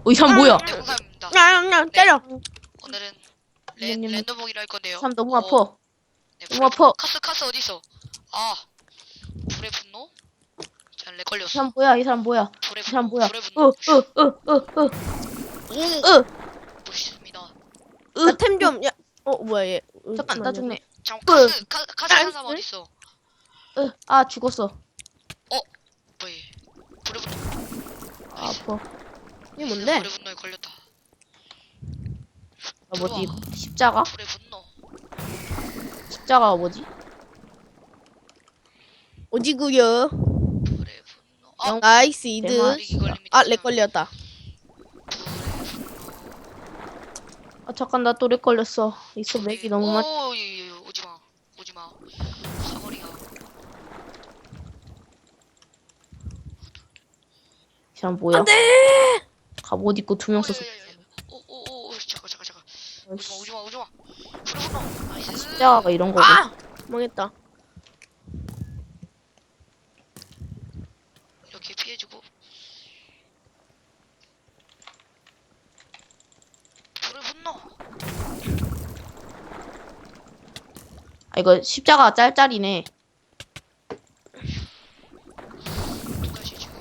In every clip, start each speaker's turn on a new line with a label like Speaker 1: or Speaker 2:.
Speaker 1: 이 사람 뭐야?
Speaker 2: 네, 홍삼입니다.
Speaker 3: 야, 때려.
Speaker 2: 오늘은
Speaker 1: 냠냠냠.
Speaker 2: 랜덤보기를 할
Speaker 1: 이
Speaker 2: 건데요.
Speaker 1: 사람 너무 아파.
Speaker 2: 네,
Speaker 1: 너무 아파.
Speaker 2: 카스 어디 있어? 아, 불의 분노? 잘 렉
Speaker 1: 이
Speaker 2: 걸렸어.
Speaker 1: 사람 뭐야? 이 사람 뭐야?
Speaker 2: 불의
Speaker 1: 이 사람
Speaker 2: 분노.
Speaker 1: 뭐야?
Speaker 2: 불의 분노.
Speaker 1: 오,
Speaker 2: 멋있습니다.
Speaker 3: 나 템 좀. 야, 뭐야 얘.
Speaker 1: 잠깐 나 죽네.
Speaker 2: 잠깐 카스 한 사람 어디 있어?
Speaker 1: 아 죽었어.
Speaker 2: 뭐야? 불의 분노.
Speaker 1: 아, 아파.
Speaker 3: 이게 뭔데?
Speaker 2: 불의 분노에 걸렸다.
Speaker 1: 아, 뭐지? 십자가?
Speaker 2: 불의 분노.
Speaker 1: 십자가가 뭐지?
Speaker 3: 어디구요?
Speaker 2: 불의 분노. 아,
Speaker 3: 나이스 이드.
Speaker 1: 대만.
Speaker 2: 렉이 걸립니다.
Speaker 3: 아, 렉 걸렸다.
Speaker 1: 아 잠깐 나 또 렉 걸렸어. 있어 맥이 너무 많.
Speaker 2: 오, 오지마. 사거리가.
Speaker 1: 이 사람 뭐야?
Speaker 3: 안돼.
Speaker 1: 갑옷 입고 두 명 썼어.
Speaker 2: 오, 잠깐. 오지마. 불의 분노. 나이스.
Speaker 1: 십자가가 이런 거고.
Speaker 3: 아, 망했다.
Speaker 2: 이렇게 피해주고. 불의 분노.
Speaker 1: 아 이거 십자가 짤짤이네.
Speaker 2: 누가지 지금.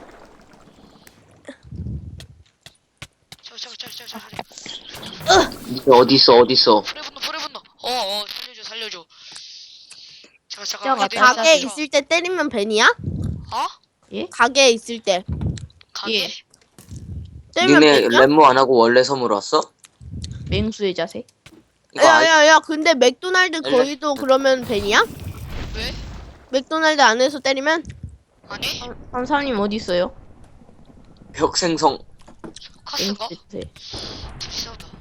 Speaker 2: 잠깐.
Speaker 4: 이게 어딨어?
Speaker 2: 불의 분노. 살려줘. 잠깐.
Speaker 1: 십자가
Speaker 2: 헤드
Speaker 3: 가게에
Speaker 2: 있어.
Speaker 3: 있을 때 때리면 벤이야?
Speaker 2: 어?
Speaker 1: 예?
Speaker 3: 가게에 있을 때
Speaker 2: 가게?
Speaker 1: 예.
Speaker 3: 때리면
Speaker 4: 니네
Speaker 3: 벤이야?
Speaker 4: 랩모 안 하고 원래 섬으로 왔어?
Speaker 1: 맹수의 자세.
Speaker 4: 이거 아,
Speaker 3: 야야야, 근데 맥도날드
Speaker 4: 알려-
Speaker 3: 거기도 그러면 벤이야?
Speaker 2: 왜?
Speaker 3: 맥도날드 안에서 때리면?
Speaker 2: 아니?
Speaker 1: 한사님 어디 있어요?
Speaker 4: 벽생성.
Speaker 2: 카스가?
Speaker 1: 맹수의 자세.
Speaker 2: 둘이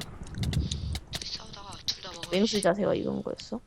Speaker 2: 싸우다가 둘 다 먹어.
Speaker 1: 맹수의 자세가 이런 거였어?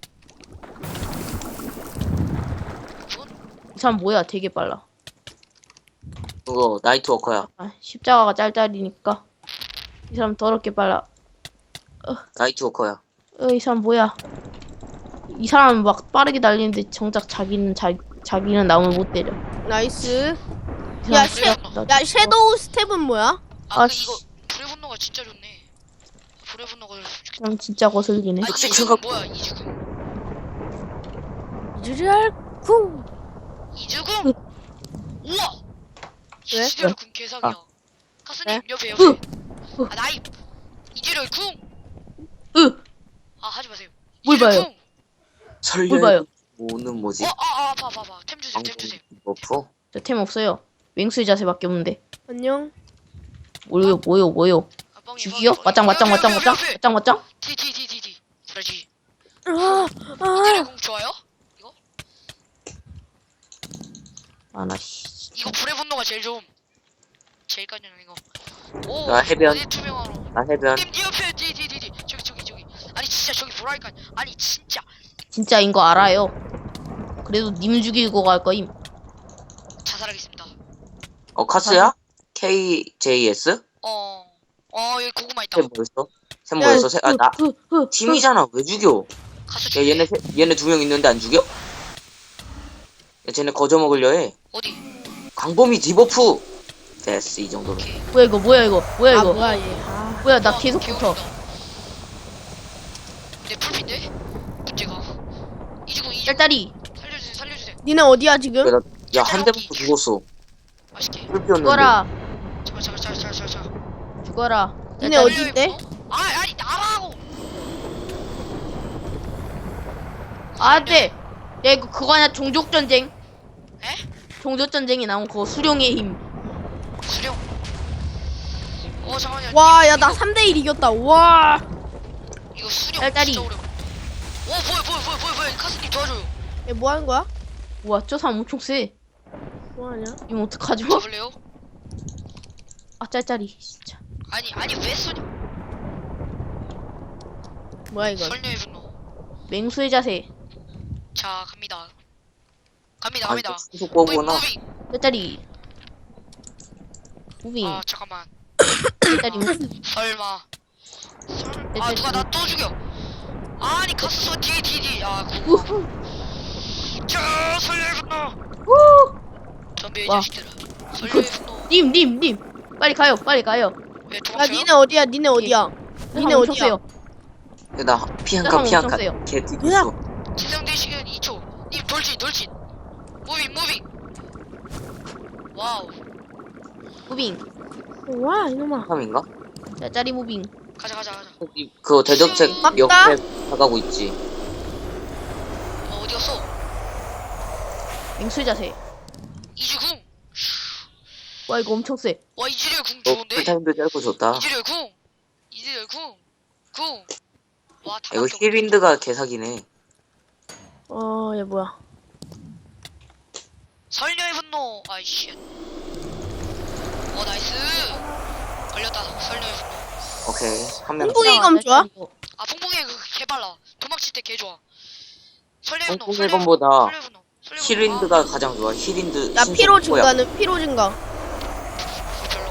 Speaker 1: 이 사람 뭐야? 되게 빨라.
Speaker 4: 그거 나이트워커야.
Speaker 1: 아 십자가가 짤짤이니까 이 사람 더럽게 빨라.
Speaker 4: 나이트워커야.
Speaker 1: 이 사람 뭐야? 이 사람 막 빠르게 달리는데 정작 자기는 남을 못 때려.
Speaker 3: 나이스.
Speaker 1: 이
Speaker 3: 야,
Speaker 1: 사람
Speaker 3: 야, 섀도우 스텝은 뭐야?
Speaker 1: 아,
Speaker 2: 이거 불의 분노가 진짜 좋네. 불의 분노가
Speaker 1: 그럼 진짜 거슬리네.
Speaker 2: 아, 이죽음 뭐야? 이죽음.
Speaker 3: 유리알쿵.
Speaker 2: 이죽음. 우와.
Speaker 3: 왜?
Speaker 2: 이지렬 궁 개사기야.
Speaker 1: 아.
Speaker 2: 카스님
Speaker 3: 네?
Speaker 2: 옆에.
Speaker 1: 으.
Speaker 2: 아 나이. 이지렬 궁. 아 하지 마세요.
Speaker 1: 뭘
Speaker 2: 이지렬
Speaker 1: 봐요?
Speaker 2: 궁.
Speaker 4: 설령
Speaker 1: 봐요?
Speaker 4: 오는 뭐지?
Speaker 2: 봐봐. 템 주세요.
Speaker 4: 버프?
Speaker 1: 저 템 없어요. 맹수의 자세밖에 없는데.
Speaker 3: 안녕.
Speaker 1: 뭐요?
Speaker 2: 아, 뻥이,
Speaker 1: 죽이요?
Speaker 2: 뻥이.
Speaker 1: 맞짱.
Speaker 2: 디디디디. 그러지.
Speaker 3: 아,
Speaker 2: 이지렬 궁 좋아요? 이거?
Speaker 1: 아 나 씨.
Speaker 2: 이거 불의 분노가 제일 좋음. 제일 깐연 이거. 오.
Speaker 4: 나 해변.
Speaker 2: 어디 투명화로.
Speaker 4: 나 해변.
Speaker 2: 님 옆에 디디디디. 저기. 아니 진짜 저기 보라니까. 아니 진짜.
Speaker 1: 진짜인 거 알아요. 그래도 님 죽이고 갈 거임.
Speaker 2: 자살하겠습니다.
Speaker 4: 카스야? KJS?
Speaker 2: 여기 고구마 있다.
Speaker 4: 새 뭐였어? 새 뭐였어? 나 팀이잖아. 왜 죽여?
Speaker 2: 가서
Speaker 4: 야 얘네 두 명 있는데 안 죽여? 야 쟤네 거저 먹으려 해.
Speaker 2: 어디?
Speaker 4: 광범위 디버프. 됐어 이 정도로.
Speaker 2: 오케이.
Speaker 1: 뭐야 이거?
Speaker 3: 뭐야 얘.
Speaker 1: 뭐야 나 계속 붙어.
Speaker 2: 내 풀핀데? 문제가. 이주공
Speaker 1: 짤짤이.
Speaker 2: 살려주세요.
Speaker 3: 니네 어디야 지금?
Speaker 4: 야 한 대부터 죽었어.
Speaker 2: 맛있게.
Speaker 4: 풀피었는데.
Speaker 1: 죽어라.
Speaker 2: 잠깐.
Speaker 1: 죽어라.
Speaker 3: 니네 어디 있대?
Speaker 2: 아니 나라고.
Speaker 1: 안돼. 야 이거 그거 아니야? 종족 전쟁.
Speaker 2: 에?
Speaker 1: 종족 전쟁이 나온 그거 수룡의 힘.
Speaker 2: 수령. 잠깐만요.
Speaker 3: 와, 야, 나 3대1 이겼다. 와.
Speaker 2: 이거 수령
Speaker 1: 짤짤이.
Speaker 2: 진짜 어려워. 뭐야? 카스님 도와줘요.
Speaker 3: 얘 뭐 하는 거야?
Speaker 1: 우와 저 사람 엄청 세.
Speaker 3: 뭐 하냐?
Speaker 1: 이거 어떡하죠?
Speaker 2: 잡을래요?
Speaker 1: 아 짤짤이 진짜.
Speaker 2: 아니 왜 쏘냐?
Speaker 3: 뭐야 이건?
Speaker 2: 설녀의 분노.
Speaker 1: 맹수의 자세.
Speaker 2: 자 갑니다.
Speaker 4: 아 이거 계속 거구나.
Speaker 2: 무빙.
Speaker 1: 짤짤이. 무빙.
Speaker 2: 아 잠깐만.
Speaker 1: 짤짤이 무빙.
Speaker 2: 설마. 누가 나 또 죽여. 아니 카스 쏘 뒤.
Speaker 1: 우후.
Speaker 2: 자 설녀의 분노.
Speaker 1: 우.
Speaker 2: 덤벼 이
Speaker 1: 와.
Speaker 2: 자식들아. 설녀의 분노.
Speaker 1: 님. 빨리 가요. 빨리 가요.
Speaker 2: 왜
Speaker 3: 야
Speaker 2: 도망쳐요?
Speaker 3: 니네 어디야? 니네 어디야? 니네
Speaker 1: 엄청
Speaker 3: 어디야?
Speaker 1: 세요.
Speaker 4: 나 피한칸
Speaker 1: 사람
Speaker 4: 피한칸
Speaker 1: 엄청 세요.
Speaker 4: 개 뛰고
Speaker 3: 뭐야?
Speaker 4: 있어.
Speaker 2: 지정된 시간 2초. 님 돌진. 무빙. 와우.
Speaker 1: 무빙.
Speaker 3: 와 이놈아.
Speaker 4: 3인가?
Speaker 1: 자, 짜리 무빙.
Speaker 2: 가자.
Speaker 4: 그거 대적책
Speaker 3: 맞다.
Speaker 4: 옆에 나가고 있지.
Speaker 2: 어디 갔어?
Speaker 1: 맹수 자세.
Speaker 2: 이주궁.
Speaker 1: 와, 이거 엄청 세.
Speaker 2: 와 이즈리얼 궁
Speaker 4: 너
Speaker 2: 좋은데?
Speaker 4: 풀타임도 짧고 좋다.
Speaker 2: 이즈리얼 궁. 와 다.
Speaker 4: 이거 힐윈드가 개사기네.
Speaker 3: 얘 뭐야?
Speaker 2: 설녀의 분노. 아이씨. 나이스. 걸렸다. 설녀의 분노.
Speaker 4: 오케이. 한 명.
Speaker 3: 홍보기 검 좋아?
Speaker 2: 아 풍풍이 개 빨라. 도망칠 때 개 좋아. 설녀의 분노.
Speaker 4: 홍콩 일본보다
Speaker 2: 설녀의 분노.
Speaker 4: 힐윈드가 가장 좋아. 힐윈드.
Speaker 3: 야 피로
Speaker 4: 신속 뭐야.
Speaker 3: 증가는 피로 증가.
Speaker 2: 별로.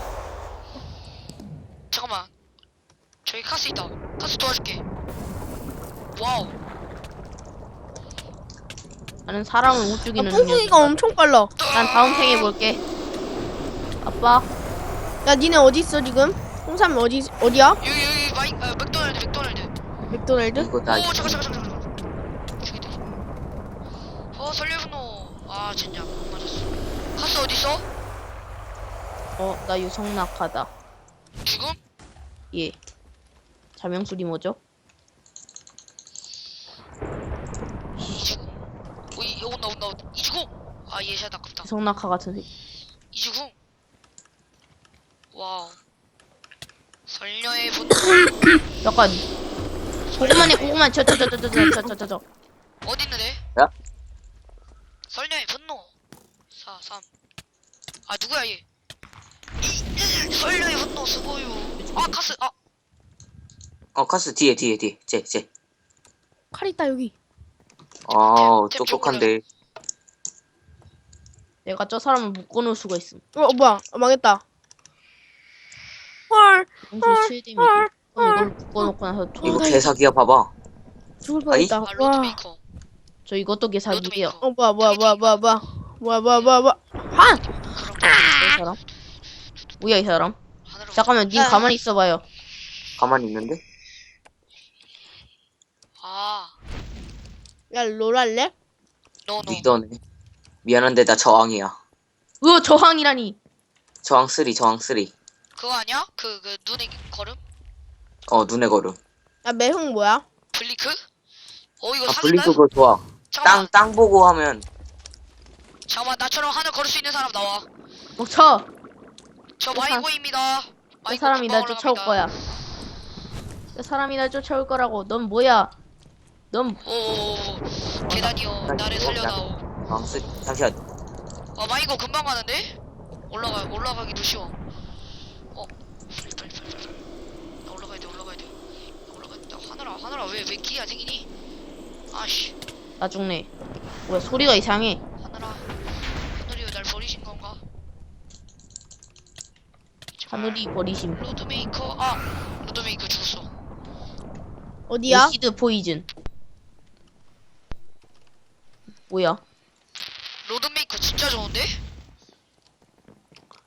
Speaker 2: 잠깐만. 저기 카스 있다. 카스 도와줄게. 와우.
Speaker 1: 나는 사람을 못
Speaker 3: 아
Speaker 1: 죽이는
Speaker 3: 뿡뿡이가 엄청 빨라.
Speaker 1: 난 다음 생에 볼게. 아빠.
Speaker 3: 야 니네 어디 있어 지금? 홍삼 어디야?
Speaker 2: 여기 맥도날드.
Speaker 3: 맥도날드?
Speaker 4: 이거 나
Speaker 2: 오 잠깐. 죽이다. 설녀의 분노. 아 젠장 못 맞았어. 카스 어디 있어?
Speaker 1: 나 유성낙하다.
Speaker 2: 죽음?
Speaker 1: 예. 자명술이 뭐죠?
Speaker 2: 이주궁. 오 온다. 이주궁. 아 예샷 아깝다.
Speaker 1: 유성낙하 같은 새.
Speaker 2: 이주궁. 와우. 설녀의 분노.
Speaker 1: 약간 고구마네. 저.
Speaker 2: 어디 있는데?
Speaker 4: 야?
Speaker 2: 설녀의 분노. 4, 3. 아 누구야 얘? 설녀의 분노 수고유. 아 카스.
Speaker 4: 카스 뒤에. 쟤.
Speaker 3: 칼 있다 여기.
Speaker 4: 아, 똑똑한데.
Speaker 1: 내가 저 사람을 묶어놓을 수가 있음.
Speaker 3: 뭐야? 망했다. 헐
Speaker 1: 평소 최대 미리. 그럼 이걸 묶어놓고 나서
Speaker 4: 이거
Speaker 1: 저,
Speaker 4: 개사기야, 봐봐.
Speaker 3: 죽을
Speaker 4: 아이?
Speaker 3: 뻔했다.
Speaker 2: 아
Speaker 3: 와.
Speaker 2: 로드메이커.
Speaker 1: 저 이것도 개사기예요.
Speaker 2: 로드메이커.
Speaker 3: 뭐야. 한!
Speaker 1: 이 사람? 뭐야 이 사람?
Speaker 2: 하늘로.
Speaker 1: 잠깐만, 님 가만히 있어봐요.
Speaker 4: 가만히 있는데?
Speaker 2: 아.
Speaker 3: 야 롤할래?
Speaker 2: 노.
Speaker 4: 리더네. 미안한데 나 저항이야.
Speaker 1: 저항이라니.
Speaker 4: 저항 3.
Speaker 2: 그거 아니야? 그 눈의 걸음?
Speaker 4: 눈에 걸음.
Speaker 3: 야 매형 뭐야?
Speaker 2: 블리크? 이거
Speaker 4: 아,
Speaker 2: 사기다.
Speaker 4: 블링크 그거 좋아.
Speaker 2: 잠깐만.
Speaker 4: 땅 보고 하면,
Speaker 2: 잠깐만 나처럼 하늘 걸을 수 있는 사람 나와.
Speaker 1: 멈춰.
Speaker 2: 저
Speaker 1: 저 사-
Speaker 2: 마이고입니다.
Speaker 1: 저
Speaker 2: 마이고
Speaker 1: 사람이
Speaker 2: 금방
Speaker 1: 날 쫓아올
Speaker 2: 올라갑니다.
Speaker 1: 거야. 저 사람이 날 쫓아올 거라고. 넌 뭐야? 넌
Speaker 2: 오 계단이요. 나를 살려다오.
Speaker 4: 저항 3. 잠시만.
Speaker 2: 마이고 금방 가는데? 올라가기도 쉬워. 빨리. 나 올라가야 돼. 하늘아 왜 길이 안 생기니? 아씨.
Speaker 1: 나중에. 뭐야, 소리가 이상해.
Speaker 2: 하늘이 왜 날 버리신 건가? 제발.
Speaker 1: 하늘이 버리심.
Speaker 2: 로드메이커. 로드메이커 죽었어.
Speaker 3: 어디야?
Speaker 1: 에시드 포이즌. 뭐야?
Speaker 2: 로드메이커 진짜 좋은데?